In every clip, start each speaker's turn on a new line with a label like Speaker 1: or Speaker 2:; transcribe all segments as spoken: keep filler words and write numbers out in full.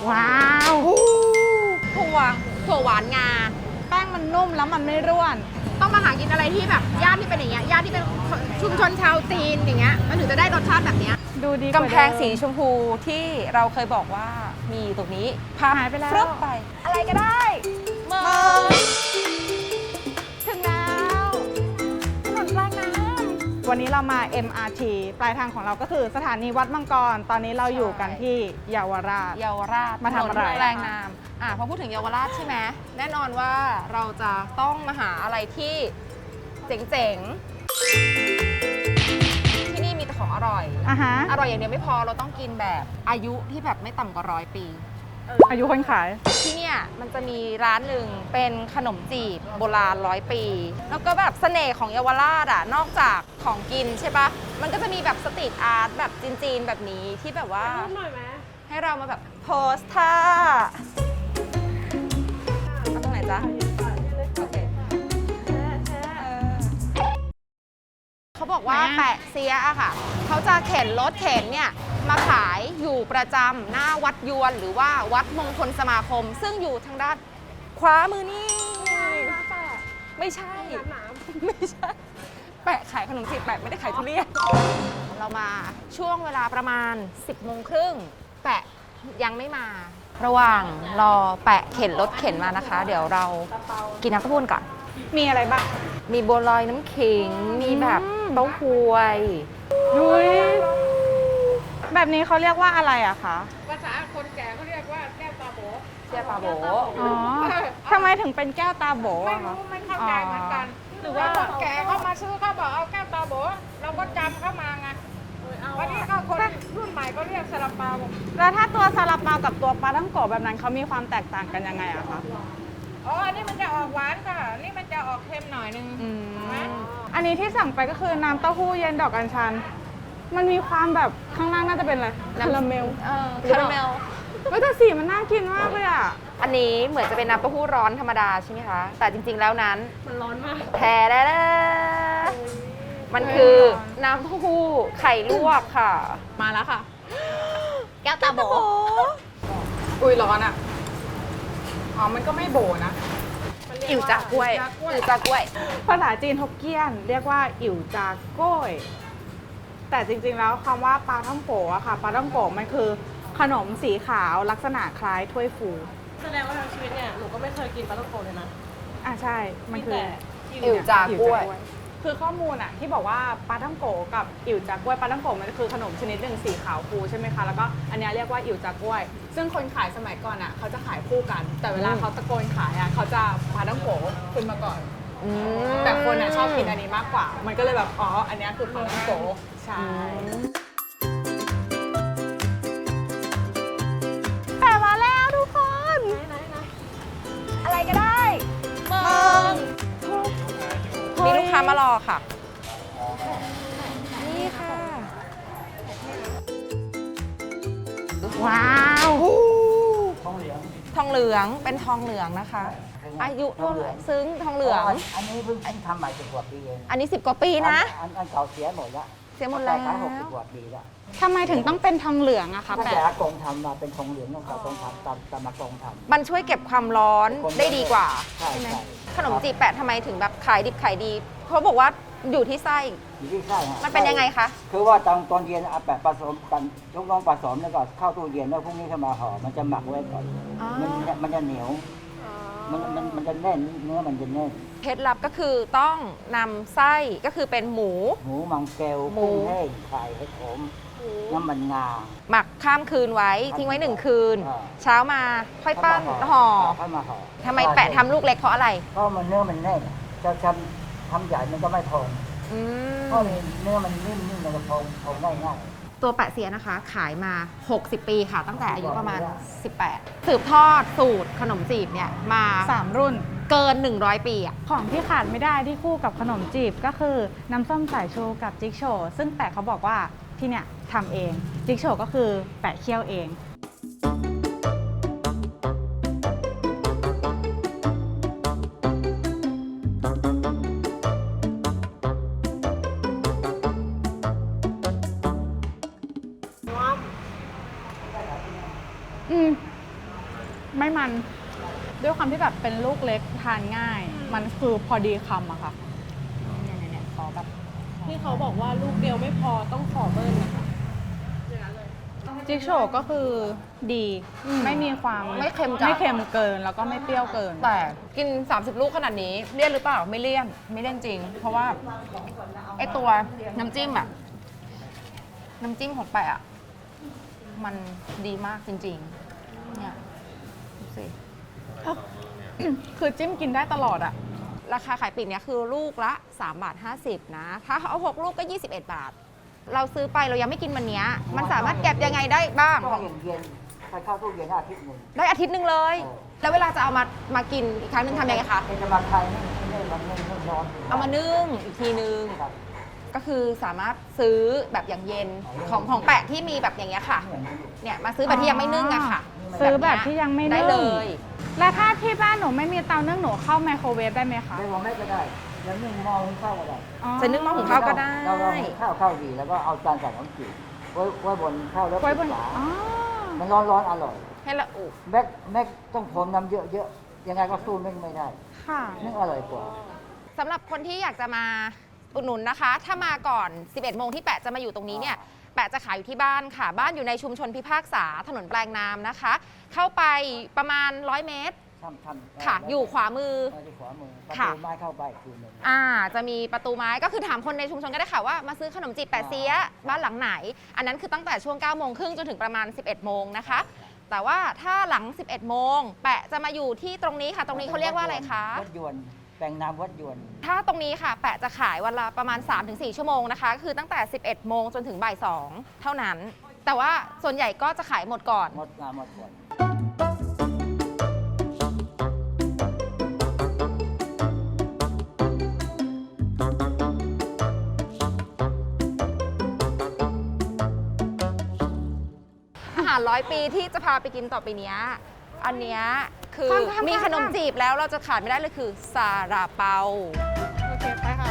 Speaker 1: ว้าว
Speaker 2: ถั่วถั่วหวานงา
Speaker 1: แป้งมันนุ่มแล้วมันไม่ร่วน
Speaker 2: ต้องมาหากินอะไรที่แบบย่านที่เป็นอย่างเงี้ยย่านที่เป็นชุมชนชาวจีนอย่างเงี้ยมันถึงจะได้รสชาติแบบเนี้ย
Speaker 1: ดูดี
Speaker 2: กำแพงสีชมพูที่เราเคยบอกว่ามีตรงนี้พา
Speaker 1: หายไปแล้ว
Speaker 2: ฟรึบไปอะไรก็ได้เมือง
Speaker 1: ถึงแล้วถนนปลายน้ำวันนี้เรามา เอ็ม อาร์ ที ปลายทางของเราก็คือสถานีวัดมังกร ตอนนี้เราอยู่กันที่เยาวราช
Speaker 2: เยาวราช
Speaker 1: มาทำอะไร
Speaker 2: ถนนแรงนามอ่ะพอพูดถึงเยาวราชใช่ไหมแน่นอนว่าเราจะต้องมาหาอะไรที่เจ๋งๆที่นี่มีแต่ของอร่อย
Speaker 1: อ่ะฮะ
Speaker 2: อร่อยอย่างเดียวไม่พอเราต้องกินแบบอายุที่แบบไม่ต่ำกว่าร้อยปี
Speaker 1: อายุคนขาย
Speaker 2: ที่เนี่ยมันจะมีร้านหนึ่งเป็นขนมจีบโบราณร้อยปี แล้วก็แบบเสน่ห์ของเยาวราชอ่ะนอกจากของกินใช่ปะมันก็จะมีแบบสตรีทอาร์ตแบบจีนๆแบบนี้ที่แบบว่าให้เรามาแบบโพสท่าเอาตรงไหนจ๊ะโอเคเออเขาบอกว่าแปะเสียอะค่ะเขาจะเข็นรถเข็นเนี่ยมาขายอยู่ประจำหน้าวัดยวนหรือว่าวัดมงคลสมาคม ซึ่งอยู่ทางด้านขวามือนี่ไม่ใช่ไม่ใช่ แปะขายขนมจีบแปะไม่ได้ขายทุเรียนเรามาช่วงเวลาประมาณ สิบโมงครึ่งแปะยังไม่มา ระหว่างรอแปะเข็นรถเข็นมานะคะ เดี๋ยวเรากินน้ำเต้าหู้ก่อน
Speaker 1: มีอะไรบ้าง
Speaker 2: มีบัวลอยน้ำขิง มีแบบเต้าหวย
Speaker 1: ดุยแบบนี้เขาเรียกว่าอะไรอะคะ
Speaker 3: ภาษาคนแก่เขาเรียกว่าแก้วตาโบ
Speaker 2: เจียปาโบ
Speaker 1: อ๋อทำไมถึงเป็นแก้วตาโบ
Speaker 3: ไม่
Speaker 1: อะคะ
Speaker 3: รู้ไม่เข้าใจเหมือนกัน หรือว่าคนแก่เขามาซื้อเขาบอกเอาแก้วตาโบเราก็จำเข้ามาไงวันนี้ก็คนรุ่นใหม่ก็เรียกซาลาเปา
Speaker 1: แล้วถ้าตัวซาลาเปากับตัวปลาท่องโกะแบบนั้นเขามีความแตกต่างกันยังไงอะคะ
Speaker 3: อ๋ออันนี้มันจะออกหวานค่ะนี่มันจะออกเค็มหน่อยนึง
Speaker 1: อืม
Speaker 3: นะ
Speaker 1: อันนี้ที่สั่งไปก็คือน้ำเต้าหู้เย็นดอกอัญชัน มันมีความแบบข้างล่างน่าจะเป็นอะไรคาราเมล
Speaker 2: เออคาราเมล
Speaker 1: เฮ้ยแต่สีมันน่ากินมากเลยอะ
Speaker 2: อันนี้เหมือนจะเป็นน้ำเต้าหู้ร้อนธรรมดาใช่ไหมคะ แต่จริงๆแล้วนั้น
Speaker 3: มันร้อนมาก
Speaker 2: แท้ได้แล้วมันคือน้ำเต้าหู้ไข่ลวกค่ะ
Speaker 1: มาแล้วค่ะ
Speaker 2: แก้วตาโบ
Speaker 1: อุ้ยร้อนอะอ๋อ มันก็ไม่โบนะ
Speaker 2: อิ่วจากกล้วยอิ่วจากกล้วย
Speaker 1: ภาษาจีนฮกเกี้ยน เรียกว่าอิ่วจากโก้ย แต่จริงๆแล้วคำว่าปลาท่องโกะอะค่ะ ปลาท่องโกะมันคือขนมสีขาวลักษณะคล้ายถ้วยฟู
Speaker 3: แสดงว่าทั้งชีวิตเนี่ยหนูก็ไม่เคยกินปลาท่องโกะเลยนะ
Speaker 1: อ่ะใช่ มันคือ
Speaker 2: อิ่วจากกล้วย
Speaker 1: คือข้อมูลอะที่บอกว่าปลาท่องโกะกับอิ่วจากกล้วยปลาท่องโกะมันคือขนมชนิดหนึ่งสีขาวฟูใช่ไหมคะ แล้วก็อันเนี้ยเรียกว่าอิ่วจากกล้วย ซึ่งคนขายสมัยก่อนอะเขาจะขายคู่กัน แต่เวลาเขาตะโกนขายอะเขาจะปลาท่องโกะขึ้นมาก่อน
Speaker 2: อืม
Speaker 1: แต่คนอะชอบกินอันนี้มากกว่า มันก็เลยแบบอ๋ออันเนี้ยคือปลาท่องโกะใช่แต่มาแล้วทุกคน
Speaker 2: อะไรก็ได้เมืองมีลูกค้ามารอค่ะ นี่ค่ะ
Speaker 1: ว้าว
Speaker 2: ทองเหลืองเป็นทองเหลืองนะคะ อายุเท่าไหร่ซึ้งทองเหลือง
Speaker 4: อันนี้เพิ่งเพิ่งทำใหม่สิบกว่าปีเอง
Speaker 2: อันนี้สิบกว่าปีนะ
Speaker 4: อันอันเก่าเสียหมดแล้ว
Speaker 2: เสียหมดแล้ว
Speaker 4: ขายหกสิบกว่าปีแล้ว
Speaker 1: ทำไมถึงต้องเป็นทองเหลืองอะคะ
Speaker 4: ตั้ง
Speaker 1: แปะ
Speaker 4: แต่อากงทำมาเป็นทองเหลืองตั้งแต่ตรงทำตามตามอากงทำ
Speaker 2: มันช่วยเก็บความร้อนได้ดีกว่า
Speaker 4: ใช่
Speaker 2: ใช่ไหม
Speaker 4: ใช่
Speaker 2: ขนมจีบแปะทำไมถึงแบบขายดิบขายดี เขาบอกว่าอยู่ที่ไส้
Speaker 4: อยู่ที่ไส้ฮะ
Speaker 2: มันเป็นยังไงคะ
Speaker 4: คือว่าตอนตอนเย็นเอาแปะผสมกันลูกน้องผสมแล้วก็เข้าตู้เย็นแล้วพรุ่งนี้เข้ามาห่อมันจะหมักไว้ก่อน
Speaker 2: อ๋อ
Speaker 4: มันจะมันจะเหนียว มันมันมันจะแน่นเนื้อมันจะแน่น
Speaker 2: เคล็ดลับก็คือต้องนำไส้ก็คือเป็นหมู
Speaker 4: หมูมังเกล
Speaker 2: หมู
Speaker 4: กุ้งแห้งไข่เห็ดหอมน้ำมันงา
Speaker 2: หมักข้ามคืนไว้ทิ้งไว้หนึ่งคืน
Speaker 4: อ่า
Speaker 2: เช้ามาค่อยปั้นห่อ
Speaker 4: เข้ามาห่อ
Speaker 2: ทำไมแปะทำลูกเล็กเพราะอะไร
Speaker 4: เพราะมันเนื้อมันแน่นจะทำทำใหญ่มันก็ไม่พอง
Speaker 2: อืม
Speaker 4: เพราะเนื้อมันนิ่มๆมันจะพองพองได้ง่าย
Speaker 2: ตัวแปะเสียนะคะ ขายมา หกสิบ ปีค่ะ ตั้งแต่อายุประมาณ สิบแปด สืบทอดสูตรขนมจีบเนี่ยมา
Speaker 1: สามรุ่น
Speaker 2: เกิน หนึ่งร้อย ปีอะ
Speaker 1: ของที่ขาดไม่ได้ที่คู่กับขนมจีบก็คือน้ำส้มสายชูกับจิ๊กโชว์ซึ่งแปะเขาบอกว่าที่เนี่ยทำเอง จิ๊กโชว์ก็คือแปะเคี่ยวเอง อืมไม่มันด้วยความที่แบบเป็นลูกเล็กทานง่าย มันคือพอดีคำอะค่ะ
Speaker 2: เนี่ยเนี่ยขอแบบ
Speaker 5: ที่เขาบอกว่าลูกเดียวไม่พอต้องขอเบิ้ลนะคะ
Speaker 1: จิ๊กโฉวก็คือดีไม่มีความ
Speaker 2: ไม่เค็มจัด
Speaker 1: ไม่เค็มเกินแล้วก็ไม่เปรี้ยวเกิน
Speaker 2: แต่กิน สามสิบ ลูกขนาดนี้เลี่ยนหรือเปล่าไม่เลี่ยนไม่เลี่ยนจริง เพราะว่าไอตัวน้ำจิ้มอะน้ำจิ้มของแปะอะมันดีมากจริงๆเนี่ยดูสิ
Speaker 1: คือจิ้มกินได้ตลอดอะ
Speaker 2: ราคาขายปลีกเนี่ยคือลูกละสามบาทห้าสิบนะ ถ้าเอาหกลูกก็ยี่สิบเอ็ดบาท เราซื้อไปเรายังไม่กินวันเนี้ยมันสามารถเก็บยังไงได้บ้าง
Speaker 4: ก็เย็นๆใส่เข้าตู้เย็นอาทิตย์หนึ่ง
Speaker 2: ได้อาทิตย์หนึ่งเลย
Speaker 4: เออ
Speaker 2: แล้วเวลาจะเอามามากินอีกครั้งหนึงทำยังไงคะ
Speaker 4: เป็นจะมาไทยไม่ไม่มันไม่ไม่ร้อน
Speaker 2: เอามานึ่งอีกทีนึง
Speaker 4: ครับ
Speaker 2: ก็คือสามารถซื้อแบบอย่างเย็นของของแปะที่มีแบบอย่างเงี้ยค่ะ เนี่ยมาซื้อแบบที่ยังไม่นึ่งอะค่ะ
Speaker 1: ซื้อแบบที่ยังไม่
Speaker 2: ได้
Speaker 1: นึ่ง
Speaker 2: เลย
Speaker 1: แล้วถ้าที่บ้านหนูไม่มีเตานึ่งหนูเข้าไมโครเวฟได้ไหมคะ
Speaker 4: ไม่ว่าไม่ก็ได้แล้วนึ่งหม้อหุงข้าวก็ได้
Speaker 1: อ๋อ
Speaker 2: จะนึ่งหม้อหุงข้าวก็ได้
Speaker 4: เราเราหุงข้าวข้าวดีแล้วก็เอาจานใส่น้ำจืดไว้ไว้บนข้าวแล้ว
Speaker 1: ไว้บ
Speaker 4: ปิ
Speaker 1: น
Speaker 4: ดฝา
Speaker 1: อ๋อ
Speaker 4: มันร้อนร้อนๆอร่อย
Speaker 2: ให้ละอุ
Speaker 4: แม็กแม็กต้องพรมน้ำเยอะๆยังไงก็สู้นึ่งไม่ได้
Speaker 1: ค่ะ
Speaker 4: นึ่งอร่อยกว่า
Speaker 2: สำหรับคนที่อยากจะมาอุดหนุนนะคะ ถ้ามาก่อน สิบเอ็ดโมงที่แปะจะมาอยู่ตรงนี้เนี่ย แปะจะขายอยู่ที่บ้านค่ะ บ้านอยู่ในชุมชนพิพากษาถนนแปลงนามนะคะ เข้าไปประมาณร้อยเมตร
Speaker 4: ทำทำ
Speaker 2: ค่ะ อยู่ขวามือ
Speaker 4: เที่ขวามือประ
Speaker 2: ค่ะ
Speaker 4: ตูไม้เข้าไปอีกทีหนึ่ง
Speaker 2: อ่า จะมีประตูไม้ก็คือถามคนในชุมชนก็ได้ค่ะว่ามาซื้อขนมจีบแปะเสียบ้านหลังไหน อันนั้นคือตั้งแต่ช่วงเก้าโมงครึ่งจนถึงประมาณ สิบเอ็ดโมงนะคะ แต่ว่าถ้าหลัง สิบเอ็ดโมงแปะจะมาอยู่ที่ตรงนี้ค่ะ ตรงนี้เขาเรียกว่าอะไรคะ
Speaker 4: วัดยวนแปลงน้ำวัดยวน
Speaker 2: ถ้าตรงนี้ค่ะ แปะจะขายวันละประมาณ สามถึงสี่ ชั่วโมงนะคะ คือตั้งแต่ สิบเอ็ดโมงจนถึงบ่ายสองเท่านั้น แต่ว่าส่วนใหญ่ก็จะขายหมดก่อน
Speaker 4: หมดงานหมดก่อน
Speaker 2: อาหารร้อยปีที่จะพาไปกินต่อไปเนี้ยอันเนี้ยคือ
Speaker 1: ข้ามๆๆ
Speaker 2: มีขนมจีบแล้วเราจะขาดไม่ได้เลยคือซาลาเปา
Speaker 1: โอเคไปค่ะ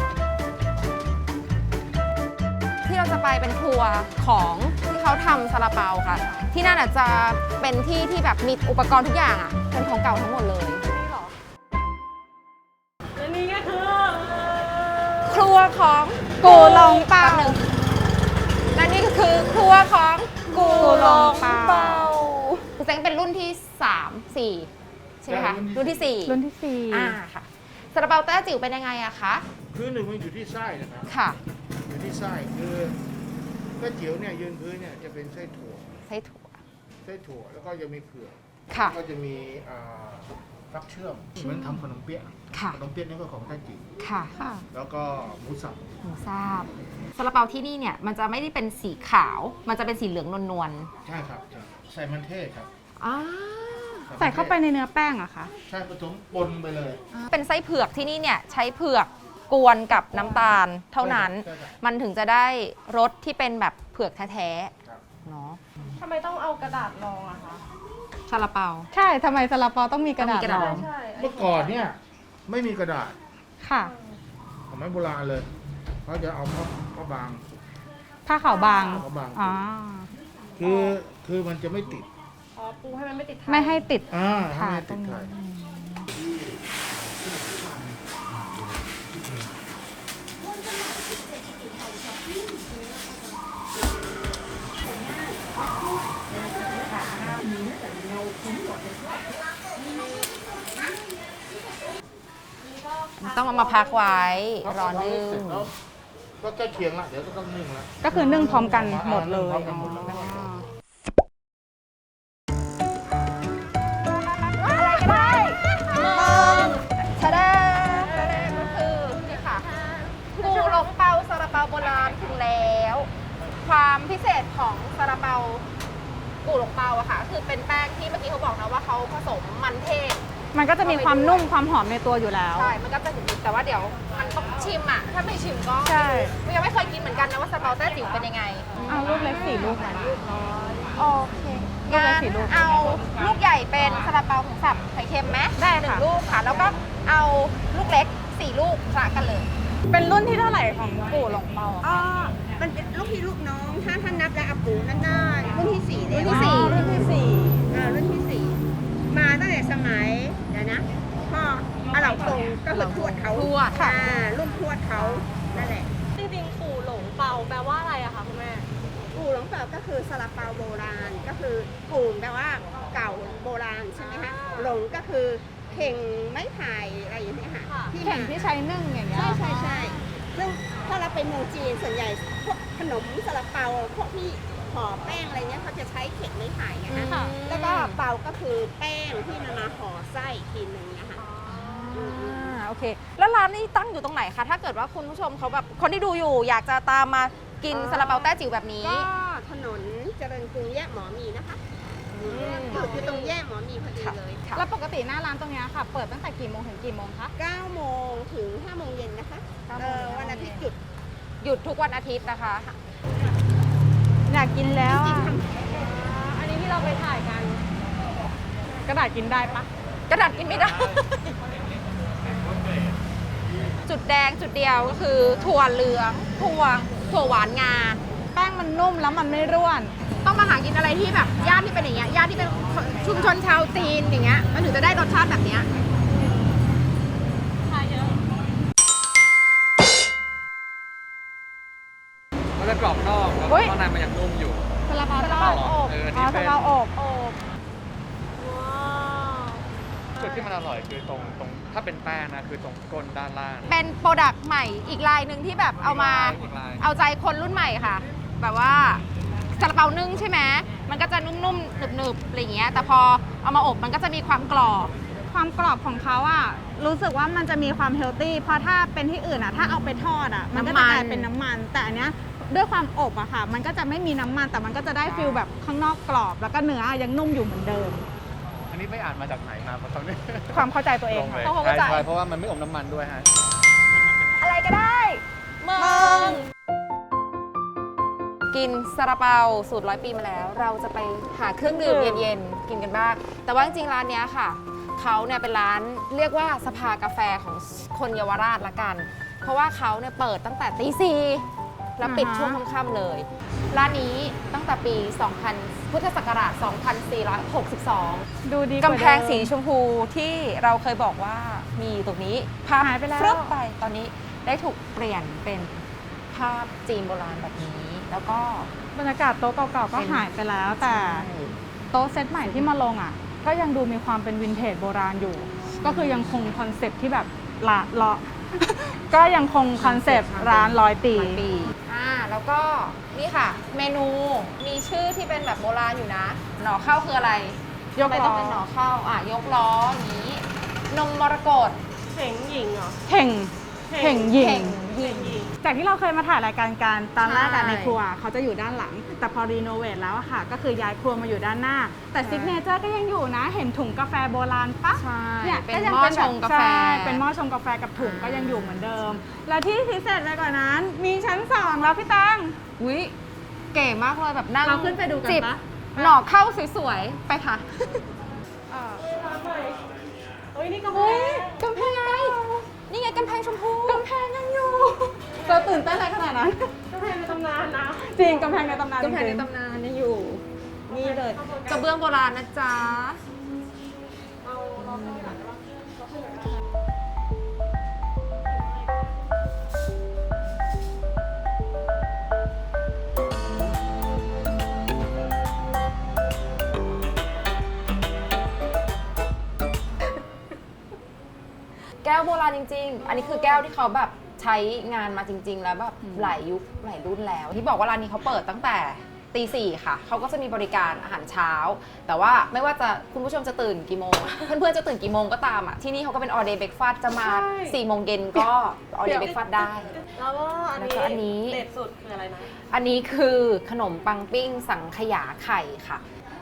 Speaker 2: ที่เราจะไปเป็นครัวของที่เขาทำซาลาเปาค่ะ ที่นั่นอาจจะเป็นที่ที่แบบมีอุปกรณ์ทุกอย่างอ่ะเป็นของเก่าทั้งหมดเลย
Speaker 5: และนี่ก็คือ
Speaker 2: ครัวของ
Speaker 1: กูหลงเปา
Speaker 2: แป๊บหนึ่งและนี่ก็คือครัวของกูหลงเปาคุณเซ้งเป็นรุ่นที่สามสี่ใช่ไหมคะรุ่นที่สี่
Speaker 1: รุ่นที่สี่
Speaker 2: อ่าค่ะซาลาเปาแต้จิ๋วเป็นยังไงอะคะ
Speaker 6: คือหนึ่งมันอยู่ที่ไส้นะครับ
Speaker 2: ค่ะ
Speaker 6: อยู่ที่ไส้คือก๋วยเตี๋ยวเนี่ยยืนพื้นเนี่ยจะเป็นไส้ถั่ว
Speaker 2: ไส้ถั่ว
Speaker 6: ไส้ถั่วแล้วก็จะมีเผือก
Speaker 2: ค่ะ
Speaker 6: ก็จะมีอ่าฟักเชื่อมเหมือนทำขนมเปี๊ยะ
Speaker 2: ค่ะ
Speaker 6: ขนมเปี๊ยะนี่ก็ของไต้จิ๋ว
Speaker 2: ค่ะ
Speaker 1: ค่ะ
Speaker 6: แล้วก็หมูสับ
Speaker 2: หมูทราบซาลาเปาที่นี่เนี่ยมันจะไม่ได้เป็นสีขาว มันจะเป็นสีเหลืองนวล
Speaker 6: ใช่ครับใช่ใส่มันเทศครับ
Speaker 2: ๆอ่า
Speaker 1: ใส่เข้าไปในเนื้อแป้งอะคะ
Speaker 6: ใช่ผสมปนไปเลย
Speaker 2: เป็นไส้เผือกที่นี่เนี่ยใช้เผือกกวนกับน้ำตาลเท่านั้น
Speaker 6: ใช่ครับ
Speaker 2: มันถึงจะได้รสที่เป็นแบบเผือกแท้
Speaker 6: ครับ
Speaker 2: ๆเนาะ
Speaker 5: ทำไมต้องเอากระดาษรองอะคะ
Speaker 2: ซาลาเปา
Speaker 1: ใช่ทำไมซาลาเปาต้องมีกระดาษ
Speaker 2: ต้องมีกระ
Speaker 1: ร
Speaker 2: ดาษ
Speaker 1: อง
Speaker 5: ใช่
Speaker 6: เมื่อก่อนเนี่ยไม่มีกระดาษ
Speaker 1: ค่ะ
Speaker 6: สมัยโบราณเลยเขาจะเอาผ้าผ้าบาง
Speaker 1: ผ้าขาวบาง
Speaker 6: ผ้าบาง
Speaker 1: อ๋อ
Speaker 6: คือคือมันจะไม่ติด
Speaker 5: อ๋อปูให้มันไม่ติดไทย
Speaker 1: ไม่ให้ติด
Speaker 6: อ่า
Speaker 1: ค่ะ
Speaker 6: ให้ไม่
Speaker 1: ตร
Speaker 6: ติด
Speaker 1: ง
Speaker 6: ไท
Speaker 1: นี้
Speaker 6: ย
Speaker 2: ต้องเอามาพักไว้รอนึ่ง
Speaker 6: ก็ใกล้เคียงละเดี๋ยวก็ต้องนึ่งละ
Speaker 1: ก็คือนึ่งพร้อมกันหมดเลย
Speaker 6: พร้อมกันหมดเลย
Speaker 1: อ๋อ
Speaker 2: ชาดาก็คือนี่ค่ะกูหลงเปาซาลาเปาโบราณถึงแล้ว ความพิเศษของซาลาเปากูหลงเปาอะค่ะ คือเป็นแป้งที่เมื่อกี้เขาบอกนะว่าเขาผสมมันเทศ
Speaker 1: มันก็จะมีความนุ่มความหอมในตัวอยู่แล้ว
Speaker 2: ใช่ มันก็จะถึงแต่ว่าเดี๋ยวมันต้องชิมอะถ้าไม่ชิมก็
Speaker 1: ใช่
Speaker 2: ยังไม่เคยกินเหมือนกันนะว่าซาลาเปาแต้จิ๋วเป็นยังไง
Speaker 1: เอาลูกเล็กสี่ลูกนะ
Speaker 2: โอเค
Speaker 1: ลูก
Speaker 2: งั้
Speaker 1: ละ
Speaker 2: น
Speaker 1: สี่ลูก
Speaker 2: เอาลูกใหญ่เป็นซาลาเปาหมูสับไข่เค็มไหม
Speaker 1: ได้
Speaker 2: หนึ่
Speaker 1: ค่ะ
Speaker 2: งลูกค่ะ แล้วก็เอาลูกเล็กสี่ลูกคละกันเลย
Speaker 1: เป็นรุ่นที่เท่าไหร่ของปู่หลงเปาอะ
Speaker 3: อ๋อ มันเป็นลูกพี่ลูกน้อง ถ้าท่านนับแล้วอาปูนั่นน่ารุ่นที่สี่เลย
Speaker 2: รุ่นที่สี่
Speaker 1: รุ่นที่สี่
Speaker 3: อ่ารุ่นที่สี่
Speaker 2: ดเขา
Speaker 7: ทวด
Speaker 2: ค่ะรุ่นทวดเขานั่นแหละ
Speaker 5: จริงๆปู่หลงเปาแปลว่าอะไรอะคะคุณแม่
Speaker 2: กูหลงเปาก็คือซาลาเปาโบราณก็คือกูแปลว่าเก่าโบราณใช่ไหมคะหลงก็คือเข่งไม้ไผ่อะไรอย่างเงี้ยค่ะ
Speaker 5: ค่ะ
Speaker 2: ที่
Speaker 1: เข่งที่ใช้นึ่งอย่างเงี้ย
Speaker 2: ใช่ใช่ใช่ซึ่งถ้าเราไปเมืองจีนส่วนใหญ่พวกขนมซาลาเปาพวกที่ห่อแป้งอะไรเงี้ยเขาจะใช้เข่งไม้ไผ่ไงคะ
Speaker 1: ค่ะ
Speaker 2: แล้วก็เปาก็คือแป้งที่มันมาห่อไส้อีกทีหนึ่งนะคะ
Speaker 7: อ่าโอเค แล้วร้านนี้ตั้งอยู่ตรงไหนคะ ถ้าเกิดว่าคุณผู้ชมเขาแบบคนที่ดูอยู่อยากจะตามมากิน
Speaker 2: อ๋อ
Speaker 7: ซาลาเปาแต้จิ๋วแบบนี้
Speaker 2: ก็ถนนเจริญกรุงแยกหมอมีนะคะอยู่อยู่ตรงแยกหมอมีพอดีเลย
Speaker 1: แล้วปกติหน้าร้านตรงเนี้ยค่ะ เปิดตั้งแต่กี่โมงถึงกี่โมงคะ
Speaker 2: เก้าโมงถึงห้าโมงเย็นนะคะ
Speaker 1: เก้าโม
Speaker 2: เอ่
Speaker 1: ง
Speaker 2: อวันอาทิตย์หยุด
Speaker 7: หยุดทุกวันอาทิตย์นะคะ
Speaker 1: อยากกินแล้วอะ
Speaker 5: อันนี้ที่เราไปถ่ายกัน
Speaker 1: กระดาษกินได้ปะ
Speaker 7: กระดาษกินไม่ได้ จุดแดงจุดเดียวก็คือถั่วเหลืองถั่วถั่วหวานงา
Speaker 1: แป้งมันนุ่มแล้วมันไม่ร่วน
Speaker 7: ต้องมาหากินอะไรที่แบบย่านที่เป็นอย่างเงี้ยย่านที่เป็นชุมชนชาวจีนอย่างเงี้ยมันถึงจะได้รสชาติแบบเนี้ย
Speaker 8: มันจะกรอบนอกแล้ว
Speaker 1: เฮ้ย
Speaker 8: ข้างในมันยังนุ่มอยู่
Speaker 1: ซาลาเปา
Speaker 7: ซาลาเปาอบ
Speaker 8: เอออัน
Speaker 1: อ๋อ
Speaker 8: นี้
Speaker 1: ซา
Speaker 8: เป็น
Speaker 1: ลาเปาอบ
Speaker 8: จุดที่มันอร่อยคือตรงตรงถ้าเป็นแป้งนะคือตรงก้นด้านล่าง
Speaker 7: เป็นโปรดักต์ใหม่อีกลายหนึ่งที่แบบเอามา
Speaker 8: อีกลาย
Speaker 7: เอาใจคนรุ่นใหม่ค่ะ แบบว่าซาลาเปานึ่งใช่ไหมมันก็จะนุ่มๆหนึบๆอะไรอย่างเงี้ยแต่พอเอามาอบมันก็จะมีความกรอบ
Speaker 1: ความกรอบของเขาอะรู้สึกว่ามันจะมีความเฮลตี้ เพราะถ้าเป็นที่อื่นอะถ้าเอาไปทอดอะมันก็จะกลายเป็นน้ำมัน แต่อันเนี้ยด้วยความอบอะค่ะ มันก็จะไม่มีน้ำมัน แต่มันก็จะได้ฟิลแบบข้างนอกกรอบ แล้วก็เนื้อยังนุ่มอยู่เหมือนเดิม
Speaker 8: อันนี้ไม่อ่านมาจากไหนมาเพราะตอนนี้
Speaker 1: ความเข้าใจตัวเอง
Speaker 8: ลงเลย
Speaker 7: เพราะเขาเข้าใจ
Speaker 8: ใช่เพราะว่ามันไม่อมน้ำมันด้วยฮะ
Speaker 7: อะไรก็ได้มึงกินซาลาเปาสูตรร้อยปีมาแล้ว เราจะไปหาเครื่องดื่มเย็นๆกินกันบ้างแต่ว่าจริงๆร้านเนี้ยค่ะเขาเนี่ยเป็นร้านเรียกว่าสภากาแฟของคนเยาวราชละกัน เพราะว่าเขาเนี่ยเปิดตั้งแต่ตีสี่แล้วปิด
Speaker 1: อ่าฮะ
Speaker 7: ช่วงค่ำๆเลย ร้านนี้ตั้งแต่ปี สองพัน พุทธศักราช สองพันสี่ร้อยหกสิบสอง
Speaker 1: ดูดีว่า
Speaker 7: กำแพง
Speaker 1: เดิม
Speaker 7: สีชมพูที่เราเคยบอกว่ามีอยู่ตรงนี้ภาพ
Speaker 1: หายไปแล้ว
Speaker 7: ฟรึบไปตอนนี้ได้ถูกเปลี่ยนเป็นภาพจีนโบราณแบบนี้ แล้วก็
Speaker 1: บรรยากาศโต๊ะเก่าๆก็หายไปแล้ว แต่โต๊ะเซตใหม่ที่มาลงอ่ะ ก็ยังดูมีความเป็นวินเทจโบราณอยู่ ก็คือยังคงคอนเซปต์ที่แบบละเลาะ ก็ยังคงคอนเซปต์ร้านร้อยปี
Speaker 7: ปีอ่าแล้วก็นี่ค่ะ เมนูมีชื่อที่เป็นแบบโบราณอยู่นะ หน่อข้าวคืออะไร
Speaker 1: ยก
Speaker 7: ทำไม
Speaker 1: ล้
Speaker 7: ต้อง
Speaker 1: อ
Speaker 7: เป็นหน่อข้าวอ่ะยกล้ออย่างนี้ นมมรกต
Speaker 5: เข็งหญิงเหรอ
Speaker 1: เข่งเข่งหยิ
Speaker 7: เข่
Speaker 1: ง
Speaker 7: งยิง
Speaker 1: จากที่เราเคยมาถ่ายรายการกันตอนแรกอะ
Speaker 7: ใช่
Speaker 1: ในครัวเขาจะอยู่ด้านหลัง แต่พอรีโนเวทแล้วอะค่ะ ก็คือย้ายครัวมาอยู่ด้านหน้า แต่
Speaker 7: ใช่
Speaker 1: ซิกเนเจอร์ก็ยังอยู่นะ เห็นถุงกาแฟโบราณปะ
Speaker 7: ใช่
Speaker 1: เนี่ย
Speaker 7: เป็น
Speaker 1: ก็ยัง
Speaker 7: หม้อ
Speaker 1: แบบ
Speaker 7: ชงกาแฟ
Speaker 1: ใช่เป็นหม้อชงกาแฟกับถุงก็ยังอยู่เหมือนเดิม แล้วที่พิเศษเลยกว่านั้น มีชั้นสองแล้วพี่ตัง
Speaker 7: อุ้ยเก๋มากเลยแบบนั่ง
Speaker 1: เราขึ้นไปดูกัน
Speaker 7: จิบ
Speaker 1: ปะ
Speaker 7: หน่อข้าวสวยๆ ไปค่ะ
Speaker 5: เฮ้ย นี่กำแพ
Speaker 7: เฮ้ย
Speaker 5: ง
Speaker 7: กำแพงไงนี่ไงกำแพงชมพู
Speaker 1: กำแพงยังอยู่เราตื่นเต้นอะไรขนาดนั้น
Speaker 5: กำแพงในตำนานนะ
Speaker 1: จริงกำแพงในตำนาน
Speaker 7: กำแพงใน
Speaker 1: จริง
Speaker 7: ตำนานยังอยู่ นี่เลยกระเบื้องโบราณนะจ๊ะ แก้วโบราณจริงๆ อันนี้คือแก้วที่เขาแบบใช้งานมาจริง ๆ แล้วแบบหลายยุคหลายรุ่นแล้ว ที่บอกว่าร้านนี้เขาเปิดตั้งแต่ตีสี่ค่ะ เขาก็จะมีบริการอาหารเช้า แต่ว่าไม่ว่าจะคุณผู้ชมจะตื่นกี่โมง เพื่อนๆจะตื่นกี่โมงก็ตามอ่ะ ที่นี่เขาก็เป็น all day breakfast จะมาสี่โมงเย็นก็ all day breakfast ได้
Speaker 5: แล้วก็อัน
Speaker 7: แล้ว
Speaker 5: นี้
Speaker 7: ก็อันนี้
Speaker 5: เด็ดสุดคืออะไรนะ
Speaker 7: อันนี้คือขนมปังปิ้งสังขยาไข่ค่ะ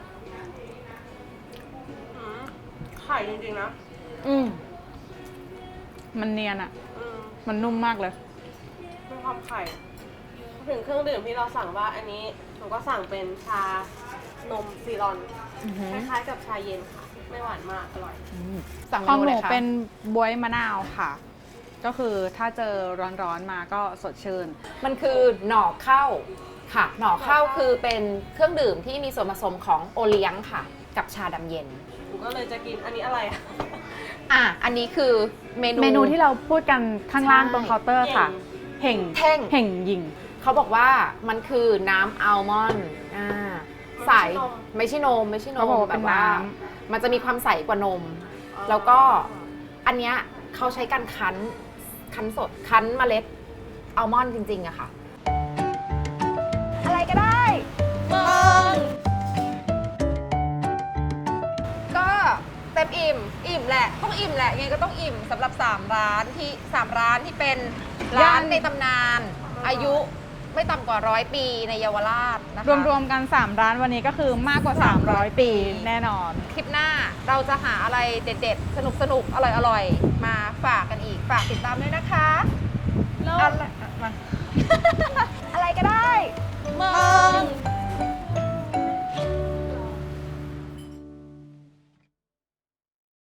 Speaker 5: อืมไข่จริงๆนะ
Speaker 7: อืม
Speaker 1: มันเนียนอะ
Speaker 5: อืม
Speaker 1: มันนุ่มมากเลย
Speaker 5: มีความไข่ ถึงเครื่องดื่มที่เราสั่งว่าอันนี้หนูก็สั่งเป็นชานมซีรอน
Speaker 7: อือหือ
Speaker 5: คล้ายๆกับชาเย็นค่ะ ไม่หวานมาก อร่อย
Speaker 7: อืมสั่งเม
Speaker 1: ของ
Speaker 7: นู
Speaker 1: ห
Speaker 7: เล
Speaker 1: นู
Speaker 7: ยค่ะ
Speaker 1: เป็นบวยมะนาวค่ะ ก็คือถ้าเจอร้อนๆมาก็สดชื่น
Speaker 7: มันคือหน่อข้าวค่ะ หน่อข้าวคือเป็นเครื่องดื่มที่มีส่วนผสมของโอเลี้ยงค่ะกับชาดำเย็น
Speaker 5: หนูก็เลยจะกินอันนี้อะไรอะ
Speaker 7: อ่ะ อันนี้คือเมนู
Speaker 1: เมนูที่เราพูดกันข้างล่าง
Speaker 7: ใช่
Speaker 1: ตรงเคาน์เตอร์ค่ะ เห่ง
Speaker 7: เท่ง
Speaker 1: เห่งยิง
Speaker 7: เขาบอกว่ามันคือน้ำอัลมอนด์อ่าใสไม่ใช่นมไม่ใช่น
Speaker 1: เขา
Speaker 7: ม
Speaker 1: บอกว่า
Speaker 7: แบ
Speaker 1: เป็น
Speaker 7: บว่า
Speaker 1: น้
Speaker 7: มันจะมีความใสกว่านม แล้วก็อันเนี้ยเขาใช้การคั้นคั้นสดคั้นเมล็ดอัลมอนด์จริงๆอะค่ะ
Speaker 2: อะไรก็ได้ ก็เต็มอิ่ม อิ่มแหละ ต้องอิ่มแหละยังไงก็ต้องอิ่มสำหรับ 3 ร้านที่ 3 ร้านที่เป็นร้านในตำนาน อายุไม่ต่ำกว่าร้อยปีในเยาวราชนะคะ
Speaker 1: รวมๆกัน สาม ร้านวันนี้ก็คือมากกว่า สามร้อย ปีแน่นอน
Speaker 2: คลิปหน้าเราจะหาอะไรเด็ดๆ สนุกๆ อร่อยๆ มาฝากกันอีก ฝากติดตามด้วยนะคะอะไรอะไรก็ได้
Speaker 1: มึง